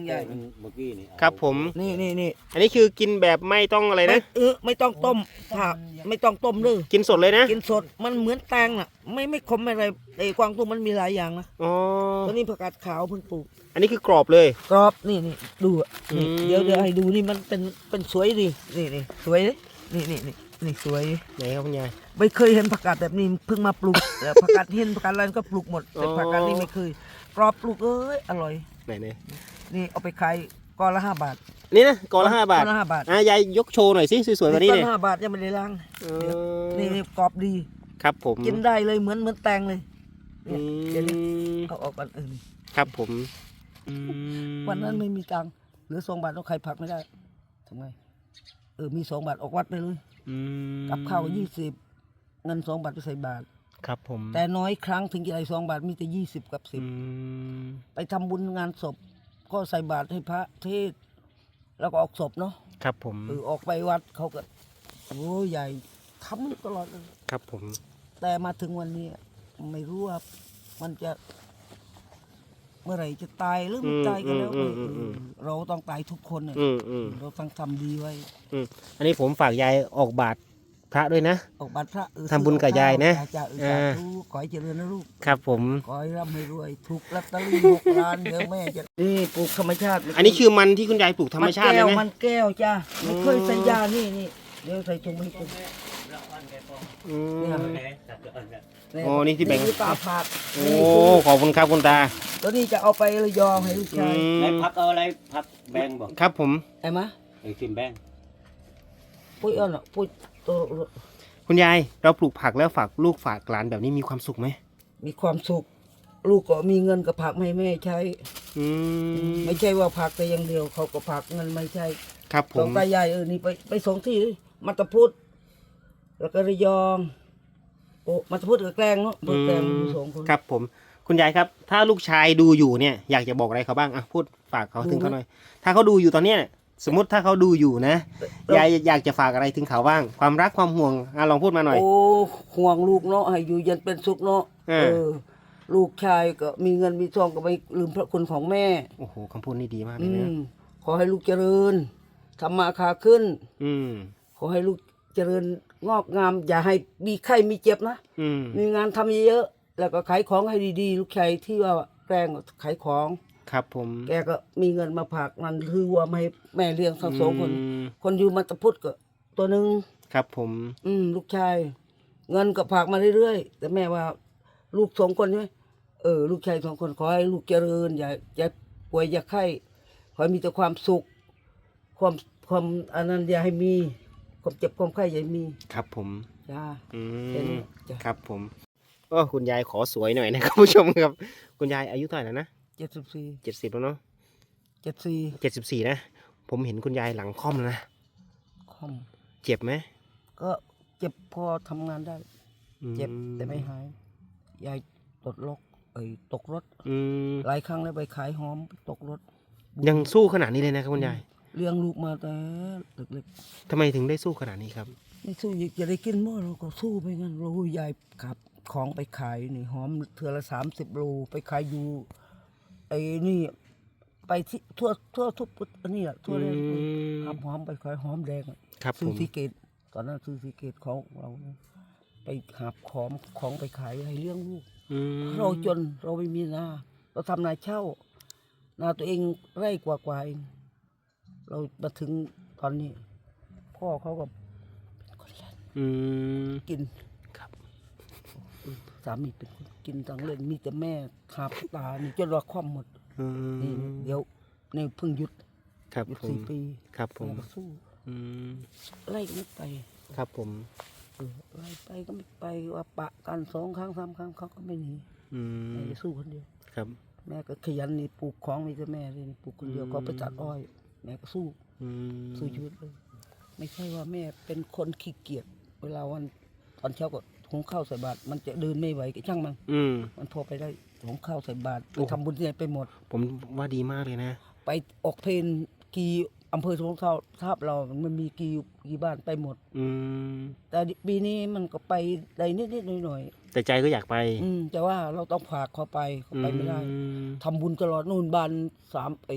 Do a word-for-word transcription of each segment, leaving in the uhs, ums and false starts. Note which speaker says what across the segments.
Speaker 1: ใหญ่
Speaker 2: เมื่อกี้นี่
Speaker 3: ครับผม
Speaker 1: นี่นี่นี่
Speaker 3: อันนี้คือกินแบบไม่ต้องอะไร
Speaker 1: ไม่
Speaker 3: นะ
Speaker 1: เออไม่ต้องต้มผักไม่ต้องต้มเลย
Speaker 3: กินสดเลยนะ
Speaker 1: กินสดมันเหมือนแตงน่ะ ไม่ไม่ขมอะไรไอ้กวางตุ้งมันมีหลายอย่างนะ
Speaker 3: อ๋อ
Speaker 1: ตัวนี้ผักกาดขาวเพิ่งปลูก
Speaker 3: อันนี้คือกรอบเลย
Speaker 1: กรอบนี่นี่ดูอ่ะนี่
Speaker 3: อืม
Speaker 1: เดี๋ยวเดี๋ยวให้ดูนี่มันเป็นเป็นสวยดีนี่นี่สวยเลยนี่นี่นี่นี่สวย
Speaker 3: ไหนครับคุณยาย
Speaker 1: ไม่เคยเห็นผักกาดแบบนี้เพิ่งมาปลูก แล้วผักกาดเห็นผักกาดอะไรก็ปลูกหมดแต่
Speaker 3: อ๋อ
Speaker 1: ผักกาดนี่ไม่เคยกรอบปลูกเอ้ยอร่อย
Speaker 3: ไหนไหน
Speaker 1: นี่เอาไปขายก้อนละห้าบาท
Speaker 3: นี่นะกอละห้าบาท
Speaker 1: ก้อนละห้าบาท
Speaker 3: อ่ะยายยกโชว์หน่อยสิสวยๆกว่านี้
Speaker 1: ก้อ
Speaker 3: เนี่ย
Speaker 1: นห้าบาทยังไม่ได้ล้าง
Speaker 3: เออ
Speaker 1: นี่นี่กรอบดี
Speaker 3: ครับผม
Speaker 1: กินได้เลยเหมือนเหมือนแตงเลย
Speaker 3: อื
Speaker 1: เนี่ยเดี๋ยวนี้
Speaker 3: ม
Speaker 1: เอาออกกันเออ
Speaker 3: ครับผมอืม
Speaker 1: วันนั้นไม่มีตังค์เหลือสองบาทเราขายผักไม่ได้ทำไงเออมีสองบาทออกวัดไปเลย
Speaker 3: อืม
Speaker 1: กับข้าวยี่สิบเงินสองบาทไปใส่บาท
Speaker 3: ครับผม
Speaker 1: แต่น้อยครั้งถึงจะได้สองบาทมีแต่ยี่สิบกับสิบ
Speaker 3: อืม
Speaker 1: ไปทำบุญงานศพก็ใส่บาตรให้พระเทศน์แล้วก็ออกศพเนาะ
Speaker 3: ครับผม
Speaker 1: เออออกไปวัดเขาก็โอ้ใหญ่ทำตลอดเลย
Speaker 3: ครับผม
Speaker 1: แต่มาถึงวันนี้ไม่รู้ว่ามันจะ เมื่อไหร่จะตายหรือไม่ตายกันแล้วเออเออเราต้องตายทุกคนน่ะ
Speaker 3: อืมอืม
Speaker 1: เราต้องทำดีไว้
Speaker 3: อืมอันนี้ผมฝากยายออกบาทพระด้วยนะ
Speaker 1: ออกบัตรพระเออ
Speaker 3: ทำบุญกับยายนะ
Speaker 1: จ้าเออ
Speaker 3: อ่า
Speaker 1: สาธุขอให้เจริญนะลูก
Speaker 3: ครับผม
Speaker 1: ขอให้ร่ำให้รวยถูกลอตเตอรี่หกล้านเดี๋ยวแม่จะนี่ปลูกธรรมชาติ
Speaker 3: อันนี้คือมันที่คุณยายปลูกธรรมชาติ
Speaker 1: น
Speaker 3: เล
Speaker 1: แก้
Speaker 3: ยว ไหม
Speaker 1: มันแก้วจ้าไม่เคยใส่ยานี่นี่เดี๋ยวใส่ชงให้กิน
Speaker 3: อืม
Speaker 1: เนี่ย
Speaker 3: โอ้นี่ที่แบ่ง
Speaker 1: คือตาผาด
Speaker 3: โอ้ขอบคุณครับคุณตา
Speaker 1: ตัวนี้จะเอาไประยองให้ลูก
Speaker 3: อื
Speaker 1: ชาย
Speaker 2: ไหน
Speaker 3: ม
Speaker 2: พักเอาอะไรพักแบงบอก
Speaker 3: ครับผม
Speaker 1: ไอ้มะ
Speaker 2: ไอ้ทิมแบง
Speaker 1: ปุ้ยเอาหน่ะปุ้ยตัว
Speaker 3: คุณยายเราปลูกผักแล้วฝากลูกฝากหลานแบบนี้มีความสุขไหม
Speaker 1: มีความสุข ลูกก็มีเงินกับผักให้แม่ใช้
Speaker 3: อืม
Speaker 1: ไม่ใช่ว่าผักแต่อย่างเดียวเขาก็ผักเงินไม่ใช่
Speaker 3: ครับผ
Speaker 1: สอง
Speaker 3: ม
Speaker 1: ตายายเออนี่ไปไปสองที่ดิมัตตพุทธแล้วก็ระยองโอ้มัตตพุทธกับแกลงเนาะเปิดแกลงมีสองคน
Speaker 3: ครับผมคุณยายครับ ถ้าลูกชายดูอยู่เนี่ยอยากจะบอกอะไรเขาบ้างอ่ะพูดฝากเขาถึงเขาหน่อย ถ้าเขาดูอยู่ตอนเนี้ยสมมติถ้าเขาดูอยู่นะยายอยากจะฝากอะไรถึงเขาบ้าง ความรักความห่วงอ่ะลองพูดมาหน่อย
Speaker 1: โอ้ห่วงลูกเนาะให้อยู่เย็นเป็นสุขเนาะ
Speaker 3: เออ
Speaker 1: เออ ลูกชายก็มีเงินมีทองก็ไม่ลืมพระคุณของแม่
Speaker 3: โอ้โหคำพูดนี่ดีมากเล
Speaker 1: อื
Speaker 3: ยนะ
Speaker 1: มขอให้ลูกเจริญทำมาค้าขึ้น
Speaker 3: อืม
Speaker 1: ขอให้ลูกเจริญงอกงาม อย่าให้มีไข้มีเจ็บนะ
Speaker 3: อืม
Speaker 1: มีงานทำเยอะๆแล้วก็ขายของให้ดีๆ ลูกชายที่ว่าแกล้งขายของ
Speaker 3: ครับผม
Speaker 1: แกก็มีเงินมาผากนั่นคือว่าไม่ให้แม่เลี้ยงทั้งสองคน
Speaker 3: อืม
Speaker 1: คนอยู่มัตตพุทธก็ตัวหนึ่ง
Speaker 3: ครับผม
Speaker 1: อืมลูกชาย เงินก็ผากมาเรื่อยๆแต่แม่ว่าลูกสองคนใช่ไหมเออ ลูกชายสองคนขอให้ลูกเจริญ อย่าอย่าป่วยอย่าไข้ขอให้มีแต่ความสุข ความความอันนั้นอย่าให้มี ความเจ็บความไข้อย่าให้มี
Speaker 3: ครับผม
Speaker 1: จ้า
Speaker 3: อื
Speaker 1: แค่นี้
Speaker 3: ม
Speaker 1: จ้ะ
Speaker 3: ครับผมก็คุณยายขอสวยหน่อยนะครับผู้ชมครับ คุณยายอายุเท่าไหร่แล้วนะ
Speaker 1: เจ็ดสิบสี่
Speaker 3: เจ็ดสิบแล้วเนาะ
Speaker 1: เจ็ดสี่
Speaker 3: เจ็ดสิบสี่นะผมเห็นคุณยายหลังค่อมแล้วนะ
Speaker 1: คอม
Speaker 3: เจ็บไหม
Speaker 1: ก็เจ็บพอทำงานได้
Speaker 3: อื
Speaker 1: เจ็บแต่ไม่หาย ยายตกรถเอ้ยตกรถ
Speaker 3: อืม
Speaker 1: หลายครั้งแล้วไปขายหอมตกรถ
Speaker 3: ยังสู้ขนาดนี้เลยนะครับคุณยาย
Speaker 1: เลี้ยงลูกมาแต่เล็ก
Speaker 3: ทำไมถึงได้สู้ขนาดนี้ครับ
Speaker 1: ๆไม่สู้อยากจะได้กินมั้งเราก็สู้ไปงั้นเรายายขับของไปขายนี่หอมเถื่อละสามสิบโลไปขายอยู่ไอ้นี่ ไปที่ทั่วทั่วทุกปุอันนี้แหละทั่วเลย
Speaker 3: อืม
Speaker 1: ขับหอมไปขายหอมแดงอะ
Speaker 3: ครับผ
Speaker 1: ซื้อ
Speaker 3: ม
Speaker 1: สีเกตตอนนั้นซื้อสีเกตของเรานะไปหาบของของไปขายให้เลี้ยงลูก
Speaker 3: อืม
Speaker 1: เราจนเราไม่มีนาเราทำนาเช่า นาตัวเองไร่กว่ากว่าเองเรามาถึงตอนนี้ พ่อเขาก็เป็นคนเล่น
Speaker 3: อืม
Speaker 1: กิน
Speaker 3: ครับ
Speaker 1: สามีเป็นคนกินตังเล่นมีแต่แม่ขาบตานี่จนเราคว่ำหมด
Speaker 3: อื
Speaker 1: นี่
Speaker 3: ม
Speaker 1: เดี๋ยวนี่เพิ่งหยุด
Speaker 3: ครับ
Speaker 1: หยุด
Speaker 3: ผม
Speaker 1: สี่ปี
Speaker 3: ครับผม
Speaker 1: แม่ก็สู้
Speaker 3: อืม
Speaker 1: ไล่ก็ไม่ไป
Speaker 3: ครับผม
Speaker 1: เออไล่ไปก็ไม่ไปว่าปะกันสองครั้งสามครั้งเขาก็ไม่หนี
Speaker 3: อื
Speaker 1: แม่
Speaker 3: ม
Speaker 1: จะสู้คนเดียว
Speaker 3: ครับ
Speaker 1: แม่ก็ขยันนี่ปลูกของนี่จะแม่เลยนี่ปลูกคนเดียว
Speaker 3: อืม
Speaker 1: ก็ไปตัดอ้อย แม่ก็สู้
Speaker 3: อืม
Speaker 1: สู้ชีวิตเลย ไม่ใช่ว่าแม่เป็นคนขี้เกียจเวลาวันตอนเช้าก็หุงข้าวใส่บาตรมันจะเดินไม่ไหวก็ช่างมัน
Speaker 3: อืม
Speaker 1: มันพอไปได้หุงข้าวใส่บาตร
Speaker 3: โอ้
Speaker 1: ไปทำบุญที่ไหนไปหมด
Speaker 3: ผมว่าดีมากเลยนะ
Speaker 1: ไปออกเพลนกี่อำเภอสมเท่าทาบเรามันมีกี่กี่บ้านไปหมด
Speaker 3: อืม
Speaker 1: แต่ปีนี้มันก็ไปได้นิดๆหน่อย
Speaker 3: แต่ใจก็อยากไป
Speaker 1: ๆอืมแต่ว่าเราต้องฝากเขาไปเขาไปไม่ได้
Speaker 3: อืม
Speaker 1: ทำบุญตลอดนู่นบ้านสามไอ้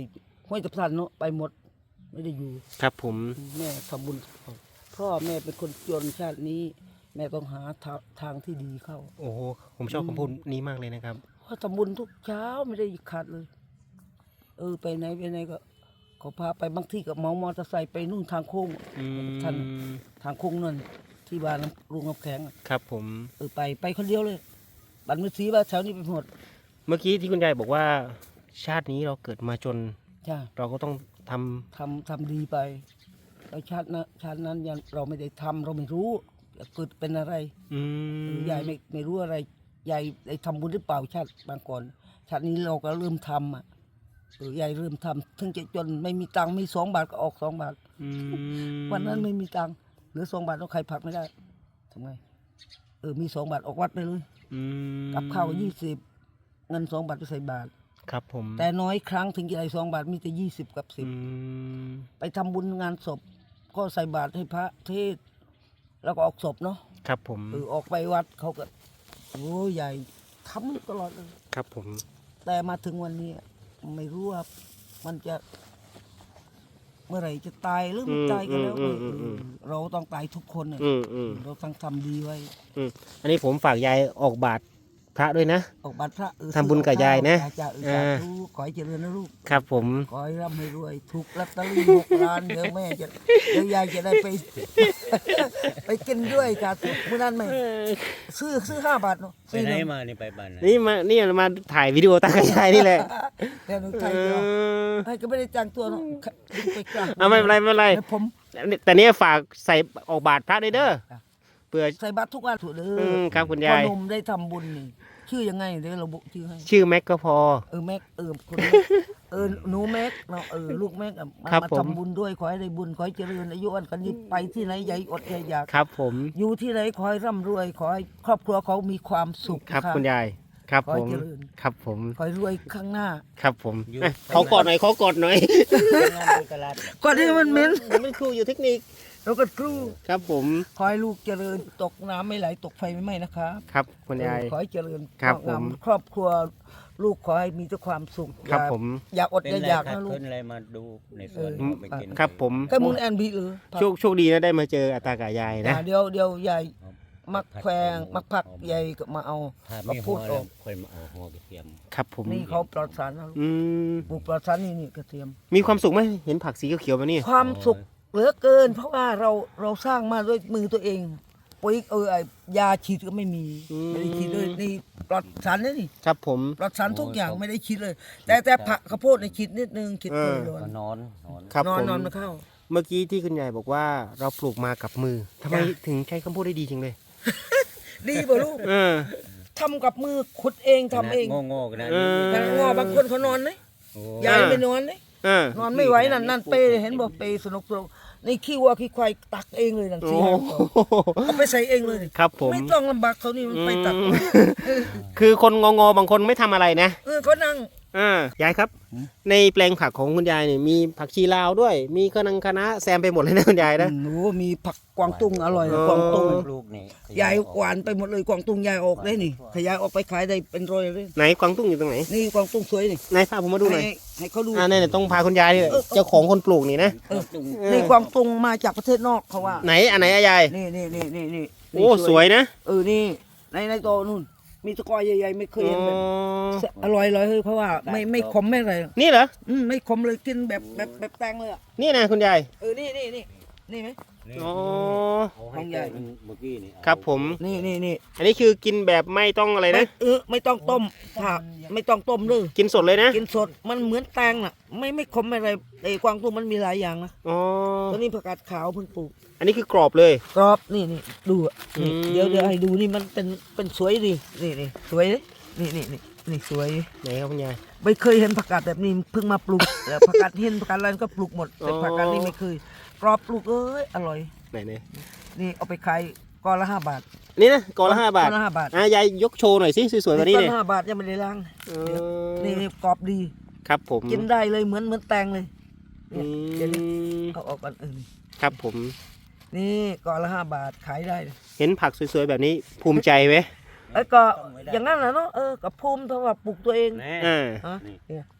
Speaker 1: ห้วยตะพานเนาะไปหมดไม่ได้อยู่
Speaker 3: ครับผม
Speaker 1: แม่ทำบุญพ่อแม่เป็นคนจนชาตินี้ แม่ต้องหาทาทางที่ดีเข้า
Speaker 3: โอ้โหผมชอบคำพูดนี้มากเลยนะครับ
Speaker 1: เพราะทำบุญทุกเช้าไม่ได้ขาดเลย เออไปไหนไปไหนก็เขาพาไปบางที่กับเมามอเตอร์ไซค์ไปนู่นทางโค้ง
Speaker 3: อืม
Speaker 1: ท่านทางโค้งนั่นที่บ้านลุงกำแข็งอะ
Speaker 3: ครับผม
Speaker 1: เออไปไปคนเดียวเลยบัตรมือสีว่าแถวนี้ไปหมด
Speaker 3: เมื่อกี้ที่คุณยายบอกว่า ชาตินี้เราเกิดมาจน
Speaker 1: ใช่
Speaker 3: เราก็ต้องทำ
Speaker 1: ทำทำดีไปแล้วชาตินะชาตินั้นยังเราไม่ได้ทำเราไม่รู้เกิดเป็นอะไร
Speaker 3: อืม
Speaker 1: ยายไม่ไม่รู้อะไรยายได้ทำบุญหรือเปล่าชาติบางก่อนชาตินี้เราก็เริ่มทำอ่ะเออยายเริ่มทำถึงจะจนไม่มีตังค์มีสองบาทก็ออกสองบาท
Speaker 3: อืม
Speaker 1: วันนั้นไม่มีตังค์เหลือสองบาทเราใครผักไม่ได้ทำไงเออมีสองบาทออกวัดไปเลย
Speaker 3: อืม
Speaker 1: กับข้าวยี่สิบเงินสองบาทไปใส่บาท
Speaker 3: ครับผม
Speaker 1: แต่น้อยครั้งถึงจะได้สองบาทมีแต่ยี่สิบกับสิบ
Speaker 3: อืม
Speaker 1: ไปทำบุญงานศพก็ใส่บาตรให้พระเทศน์แล้วก็ออกศพเนาะ
Speaker 3: ครับผม
Speaker 1: เออออกไปวัดเขาก็โอ้ใหญ่ทำตลอดเลย
Speaker 3: ครับผม
Speaker 1: แต่มาถึงวันนี้ไม่รู้ว่ามันจะ เมื่อไหร่จะตายหรือไม่ตายกันแล้ว
Speaker 3: อืมอืมอืม
Speaker 1: เออเราต้องตายทุกคนน่ะ
Speaker 3: อืมอืม
Speaker 1: เราต้องทำดีไว้
Speaker 3: อืมอันนี้ผมฝากยายออกบาตรพระด้วยนะ
Speaker 1: ออกบัตรพระเออ
Speaker 3: ทำบุญกับยายนะ
Speaker 1: จ้าเออ
Speaker 3: อ่า
Speaker 1: สาธุขอให้เจริญนะลูก
Speaker 3: ครับผม
Speaker 1: ขอให้ร่ำให้รวยถูกลอตเตอรี่หกล้านเดี๋ยวแม่จะเดี๋ยวยายจะได้ไป ไปกินด้วยค่ะเมื่อนั้นไม่ซื้อซื้อห้าบาทเนาะ
Speaker 2: ไป
Speaker 1: ซื้อ
Speaker 2: ไหน
Speaker 1: เนาะ
Speaker 2: มานี่ไปบ้านไหน
Speaker 3: นี่มานี่มาถ่ายวิดีโอตากับยายนี่แหละ
Speaker 1: เดี๋ยวหนูไทย
Speaker 3: เอ
Speaker 1: เดียว
Speaker 3: อ
Speaker 1: ให้ก็ไม่ได้จ้างตัวเนาะดึงไปกลาง
Speaker 3: เอาไม่เป็นไรไม่เป็นไร
Speaker 1: ให้ผม
Speaker 3: แต่เนี่ยฝากใส่ออกบาตรพระด้วยเด้อ
Speaker 1: จ้ะ
Speaker 3: เพื่อ
Speaker 1: ใส่บาตรทุกวันถูกเด้
Speaker 3: อื
Speaker 1: อ
Speaker 3: มครับคุณ
Speaker 1: พ่อย
Speaker 3: าย
Speaker 1: หนุ่มได้ทำบุญนี่ชื่อยังไงเดี๋ยวเราบุชื่อให้
Speaker 3: ชื่อแม็กก็พอ
Speaker 1: เออแม็กเออคนแม็กเออหนูแม็กเนาะเออลูกแม็กอะมา
Speaker 3: ครับ
Speaker 1: มา
Speaker 3: ผม
Speaker 1: ทำบุญด้วยขอให้ได้บุญขอให้เจริญอายุอันกันนี้ไปที่ไหนอย่าอดอย่าอยาก
Speaker 3: ครับผม
Speaker 1: อยู่ที่ไหนขอให้ร่ำรวย ขอให้ครอบครัวเขามีความสุข
Speaker 3: ครับ
Speaker 1: นะะ
Speaker 3: คุณยาย ครับ
Speaker 1: ขอ
Speaker 3: ผ
Speaker 1: ให้
Speaker 3: ม
Speaker 1: เจริญ
Speaker 3: ครับผม
Speaker 1: ขอให้รวยข้างหน้า
Speaker 3: ครับผมอ่ะขอกอดหน่อยขอกอดหน่อย
Speaker 2: งานที่ตลาด
Speaker 1: ก่อนที่มันเหม็น
Speaker 3: ผมเป็นครูอยู่เทคนิค
Speaker 1: เราก็ครู
Speaker 3: ครับผม
Speaker 1: ขอให้ลูกเจริญตกน้ำไม่ไหลตกไฟไม่ไหม้นะครับ
Speaker 3: ครับคุณยาย
Speaker 1: เออขอให้เจริญ
Speaker 3: ครับ
Speaker 1: งาม
Speaker 3: ผม
Speaker 1: ครอบครัวลูกขอให้มีแต่ความสุข
Speaker 3: ครับ
Speaker 1: อย่า
Speaker 3: ผม
Speaker 1: อย่าอด
Speaker 2: เป็น
Speaker 1: อย่า
Speaker 2: ไร
Speaker 1: อยาก
Speaker 2: ครับ
Speaker 1: นะลูก
Speaker 2: เพิ่นอะไรมาดูในสวน
Speaker 1: เออ
Speaker 2: ไปกิน
Speaker 3: ครับผม
Speaker 1: แค่มึงแอนบีหรือ
Speaker 3: โชคโชคดีนะได้มาเจออาตากับยายนะ
Speaker 1: อ่าเดี๋ยวเดี๋ยวยายมักแควงมักพักยายก็มาเอา
Speaker 2: ถ้า
Speaker 1: มา
Speaker 2: มี
Speaker 1: พู
Speaker 2: หั
Speaker 1: ด
Speaker 2: ว
Speaker 1: อ
Speaker 2: แล้
Speaker 1: อ
Speaker 2: ว
Speaker 1: ก
Speaker 2: ค่อยมาเอาหัวกระเทียม
Speaker 3: ครับผม
Speaker 1: นี่เขาปลอดสารนะลูก
Speaker 3: อืม
Speaker 1: ปลูกปลอดสารนี่นี่กระเทียม
Speaker 3: มีความสุขไหมเห็นผักสีเขียวๆแบบนี้
Speaker 1: ความสุขเหลือเกิน เพราะว่าเราเราสร้างมาด้วยมือตัวเองปุ๋ยเออไอ้ยาฉีดก็ไม่มีไม่ได้ฉีดเลยนี่ปลอดสารนะนี่
Speaker 3: ครับผม
Speaker 1: ปลอดสารทุกอย่างไม่ได้ฉีดเลย แต่แต่ผักข้าวโพดในยฉีดนิดนึงฉีด
Speaker 3: เออ
Speaker 1: โดน
Speaker 2: ก็นอนนอน
Speaker 3: ครับ
Speaker 1: นอน
Speaker 3: ผม
Speaker 1: นอนมาเข้า
Speaker 3: เมื่อกี้ที่คุณยายบอกว่าเราปลูกมากับมือทำไม
Speaker 1: จ้ะ
Speaker 3: ถึงใช้คำพูดได้ดีจริงเลย
Speaker 1: ดีป่ะลูก
Speaker 3: เออ
Speaker 1: ทำกับมือขุดเองทำเอง
Speaker 2: โง่ๆกันนะ
Speaker 3: เออ
Speaker 1: แต่งอบางคนเขานอนไหม
Speaker 2: โอ้
Speaker 1: ยายไม่นอนไหม
Speaker 3: เออน
Speaker 1: อนไม่ไหวนั่นนั่นเปเห็นบอกเปสนุกสนุกนี่ขี้วัวขี้ควายตักเองเลยนั่น
Speaker 3: โอ้
Speaker 1: สี่ห้าตัวเอาไปใส่เองเลย
Speaker 3: ครับผม
Speaker 1: ไม่ต้องลำบากเขานี่มันไปตัก
Speaker 3: อืมคือคนงงๆบางคนไม่ทำอะไรนะ
Speaker 1: เออเขานั่ง
Speaker 3: อ่ายายครับ ในแปลงผักของคุณยายเนี่ยมีผักชีลาวด้วย มีคะนังคะน้าแซมไปหมดเลยนะคุณยายนะ
Speaker 1: หนูมีผักกวางตุ้งอร่อยนะ
Speaker 3: อ๋อ
Speaker 1: กวางตุ้ง
Speaker 2: ลูกนี่
Speaker 1: ยายหวานไปหมดเลยกวางตุ้งยายออกได้นี่ขยายออกไปขายได้เป็นร้อยเลย
Speaker 3: ไหนกวางตุ้งอยู่ตรงไหน
Speaker 1: นี่กวางตุ้งสวยนี่
Speaker 3: ไหนพาผมมาดูหน่อย
Speaker 1: ให้ให้เขาดู
Speaker 3: อ่าเนี่ยต้องพาคุณยายนี่แหละเจ้าของคนปลูกนี่นะ
Speaker 1: เออนี่กวางตุ้งมาจากประเทศนอกเขาว่า
Speaker 3: ไหนอันไหนอะยาย
Speaker 1: นี่นี่นี่นี่นี่
Speaker 3: โอ้สวยนะ
Speaker 1: เออนี่ในในโตนู่นมีตะกอยใหญ่ๆไม่เคยเห็นแบบ
Speaker 3: อ๋อ
Speaker 1: อร่อยเลยเพราะว่าไม่ไม่ขมไม่อะไร
Speaker 3: นี่เหรอ
Speaker 1: อืมไม่ขมเลยกินแบบแบบแบบแตงเลยอ่ะ
Speaker 3: นี่นะคุณยาย
Speaker 1: เออนี่นี่นี่นี่ไหม
Speaker 3: อ๋อ
Speaker 2: เอาให้แกมันเมื่อกี้นี่เอา
Speaker 3: ครับผม
Speaker 1: นี่นี่นี่
Speaker 3: อันนี้คือกินแบบไม่ต้องอะไร
Speaker 1: ไม่
Speaker 3: นะ
Speaker 1: เออไม่ต้องต้มผักไม่ต้องต้มเลย
Speaker 3: กินสดเลยนะ
Speaker 1: กินสดมันเหมือนแตงน่ะ ไม่ไม่ขมไม่อะไรไอ้กวางตุ้งมันมีหลายอย่างนะ
Speaker 3: อ๋อ
Speaker 1: ตัวนี้ผักกาดขาวเพิ่งปลูก
Speaker 3: อันนี้คือกรอบเลย
Speaker 1: กรอบนี่นี่ดูอ่ะนี่
Speaker 3: อืม
Speaker 1: เดี๋ยวเดี๋ยวให้ดูนี่มันเป็นเป็นสวยดีนี่นี่สวยดินี่นี่นี่นี่สวย
Speaker 3: ไหนครับคุณยาย
Speaker 1: ไม่เคยเห็นผักกาดแบบนี้เพิ่งมาปลูก แล้วผักกาดเห็นผักกาดอะไรก็ปลูกหมดแต่
Speaker 3: อ๋อ
Speaker 1: ผักกาดนี่ไม่เคยกรอบปลูกเอ้ยอร่อย
Speaker 3: ไหนเนี่ย
Speaker 1: นี่เอาไปขายก้อนละห้าบาท
Speaker 3: นี่นะกอละห้าบาท
Speaker 1: ก้อนละห้าบาท
Speaker 3: อ่ะยายยกโชว์หน่อยสิสวยๆแบบนี้
Speaker 1: ก้อน
Speaker 3: เนี่ย
Speaker 1: ละห้าบาทยังไม่ได้ล้าง
Speaker 3: เอ
Speaker 1: นี่
Speaker 3: อ
Speaker 1: นี่กรอบดี
Speaker 3: ครับผม
Speaker 1: กินได้เลยเหมือนเหมือนแตงเลย
Speaker 3: อื
Speaker 1: เนี่ยเดี๋ยวนี้
Speaker 3: ม
Speaker 1: เอาออกกันอื่น
Speaker 3: ครับผม
Speaker 1: นี่ก้อนละห้าบาทขายได้
Speaker 3: เห็นผักสวยๆแบบนี้ภูมิใจไหม
Speaker 1: ไอ้ยก็อย่างนั้นแหละเนาะเออกับภูมิเพราะว่าปลูกตัวเอง
Speaker 2: แน่
Speaker 3: อ่า
Speaker 1: ฮะ
Speaker 2: นี่
Speaker 1: เนี่ย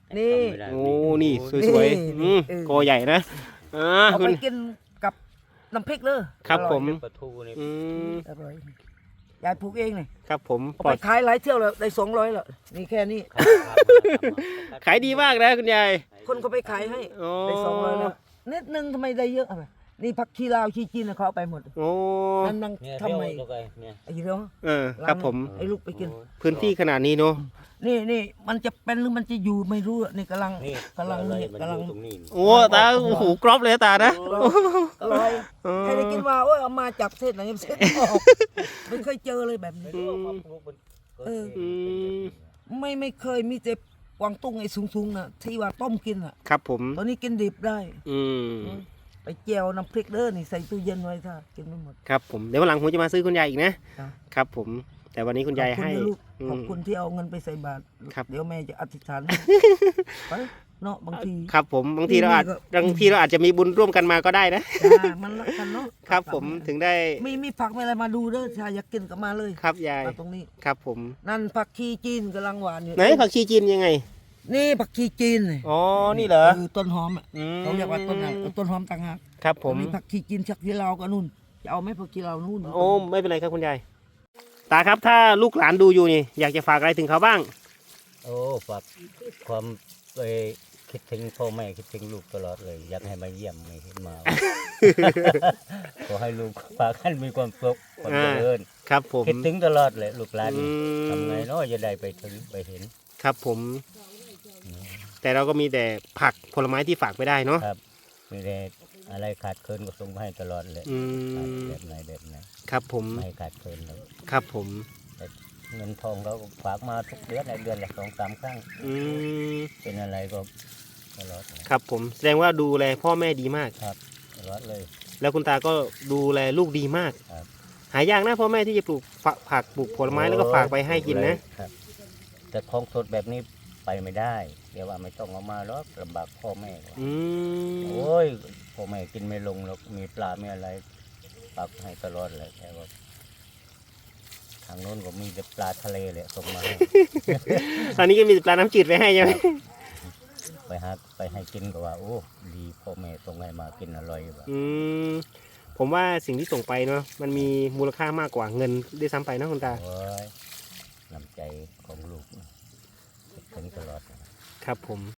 Speaker 1: นี่
Speaker 2: ไม่ได้
Speaker 3: โอ้นี่สวยๆอืม
Speaker 1: เออ
Speaker 3: กอใหญ่นะอ่า
Speaker 1: เอา
Speaker 3: คุ
Speaker 1: ไป
Speaker 3: ณ
Speaker 1: กินกับน้ำพริกเลย
Speaker 3: ครับ
Speaker 1: ออย
Speaker 3: ผม
Speaker 2: ปลาทูนี่
Speaker 3: อืม
Speaker 1: อร่อยยายปลูกเองเลย
Speaker 3: ครับผม
Speaker 1: เอา
Speaker 3: ปล
Speaker 1: ไป
Speaker 3: อด
Speaker 1: ขายหลายเที่ยวแล้วได้สองร้อยแล้วนี่แค่นี้
Speaker 3: ขายดีมากนะคุณยาย
Speaker 1: คนก็ไปขายให้
Speaker 3: โอ้
Speaker 1: ได้สองร้อยแล้วนิดนึงทำไมได้เยอะอ่ะนี่ผักชีลาวชีจีนน่ะเขาเอาไปหมด
Speaker 3: โอ้
Speaker 1: นั่นนั่ง
Speaker 2: เนี่ย
Speaker 1: ทำไม
Speaker 2: เรียวแล้วก็เนี่ย
Speaker 1: ไอ้เรื่อง
Speaker 3: เออครับผม
Speaker 1: ไอ้ลูกไปกิน
Speaker 3: พื้นที่ขนาดนี้เนาะ
Speaker 1: นี่นี่มันจะเป็นหรือมันจะอยู่ไม่รู้อะนี่กำลัง
Speaker 2: นี่
Speaker 1: กำลัง
Speaker 2: อะไร
Speaker 1: นี่
Speaker 2: มัน
Speaker 1: กำลัง
Speaker 2: อยู่ตรงนี้
Speaker 3: โอ้ตาโอ้โหกรอบเลยตานะ
Speaker 1: อร่อย
Speaker 3: เออ
Speaker 1: ใครได้กินว่าโอ้ยเอามาจากเทศไหนเทศออกไม่เคยเจอเลยแบบนี้
Speaker 2: ไม่รู้ว่าความรู้มันเกิด
Speaker 1: เออ
Speaker 2: เอง
Speaker 1: ไม่ไม่เคยมีแต่กวางตุ้งไอ้สูงๆน่ะที่ว่าต้มกินอ่ะ
Speaker 3: ครับผม
Speaker 1: ตอนนี้กินดิบได้
Speaker 3: อืม
Speaker 1: ไปเจียวน้ำพริกเด้อนี่ใส่ตู้เย็นไว้ถ้ากินไม่หมด
Speaker 3: ครับผมเดี๋ยววันหลังผมจะมาซื้อคุณยายอีกนะ
Speaker 1: จ้ะ
Speaker 3: ครับผม แต่วันนี้คุณยาย
Speaker 1: ขอบ
Speaker 3: ให้
Speaker 1: นะลูก
Speaker 3: อื
Speaker 1: ขอบ
Speaker 3: ม
Speaker 1: คุณที่เอาเงินไปใส่บาตร
Speaker 3: ครับ
Speaker 1: เดี๋ยวแม่จะอธิษฐานให้ ไปเนาะบางที
Speaker 3: ครับผมบางทีเราอาจ
Speaker 1: นี่ก็
Speaker 3: บางทีเราอาจจะมีบุญร่วมกันมาก็ได้นะ
Speaker 1: จ้ามันรักกันเนาะ
Speaker 3: ครับผมถึงได้
Speaker 1: มีมีผักมีอะไรมาดูเด้อถ้าอยากกินก็มาเลย
Speaker 3: ครับยาย
Speaker 1: มาตรงนี้
Speaker 3: ครับผม
Speaker 1: นั่นผักชีจีนกำลังหวานอยู่
Speaker 3: ไหนผักชีจีนยังไง
Speaker 1: นี่ผักชีจีนนี่
Speaker 3: อ๋อนี่เหรอ
Speaker 1: คือต้นหอมอ่ะ
Speaker 3: อืม
Speaker 1: เขาเรียกว่าต้นอะไรต้นหอมต่างหาก
Speaker 3: ครับผม
Speaker 1: อันนี้ผักชีจีนชักที่เราวก็นู่นจะเอาไหมผักชีเราวนู่น
Speaker 3: โอ้ไม่เป็นไรครับคุณยายตาครับถ้าลูกหลานดูอยู่นี่อยากจะฝากอะไรถึงเขาบ้าง
Speaker 2: โอ้ฝากความไปคิดถึงพ่อแม่คิดถึงลูกตลอดเลย อยากให้มาเยี่ยมไม่เห็นมา ขอให้ลูกฝากให้มีความสุขความเจริญ
Speaker 3: ครับผม
Speaker 2: คิดถึงตลอดเลยลูกหลาน
Speaker 3: อืม
Speaker 2: ทำไงเนาะจะได้ไปถึงไปเห็น
Speaker 3: ครับผม แต่เราก็มีแต่ผักผลไม้ที่ฝากไปได้เนาะ
Speaker 2: ครับมีแต่อะไรขาดเคินก็ส่งมาให้ตลอดเลย
Speaker 3: อืม
Speaker 2: แบบไหนแบบไหน
Speaker 3: ครับผม
Speaker 2: ไม่ให้ขาดเคินเลย
Speaker 3: ครับผม
Speaker 2: แต่เงินทองเราก็ฝากมาทุกเดือนในเดือนละสองสามครั้ง
Speaker 3: อืม
Speaker 2: เป็นอะไรก็ตลอดเลย
Speaker 3: ครับผมแสดงว่าดูแลพ่อแม่ดีมาก
Speaker 2: ครับตลอดเลย
Speaker 3: แล้วคุณตาก็ดูแลลูกดีมาก
Speaker 2: ครับ
Speaker 3: หายากนะพ่อแม่ที่จะปลูกฝผักปลูกผลไม้แล้วก็ฝากไปให้กินนะ
Speaker 2: ครับ แต่ของสดแบบนี้ไปไม่ได้เดี๋ยวว่าไม่ต้องเอามาหรอกลำบากพ่อแม่
Speaker 3: อืม
Speaker 2: โอ้ยพ่อแม่กินไม่ลงหรอกมีปลาไม่อะไรปักให้ตลอดเลยแต่ว่าทางโน้นก็มีแต่ปลาทะเลเลยส่งมาให้
Speaker 3: ตอนนี้ก็มีปลาน้ำจืดไปให้ใช่ไหม
Speaker 2: ไปหาไปให้กินก็ว่า โอ้ดีพ่อแม่ส่งให้มากินอร่อยว่ะ
Speaker 3: อืมผมว่าสิ่งที่ส่งไปเนาะมันมีมูลค่ามากกว่าเงินด้วยซ้ำไปนะคุณตา
Speaker 2: โอ้ยน้ำใจของลูกนะคิดถึงตลอดนะ
Speaker 3: ครับผม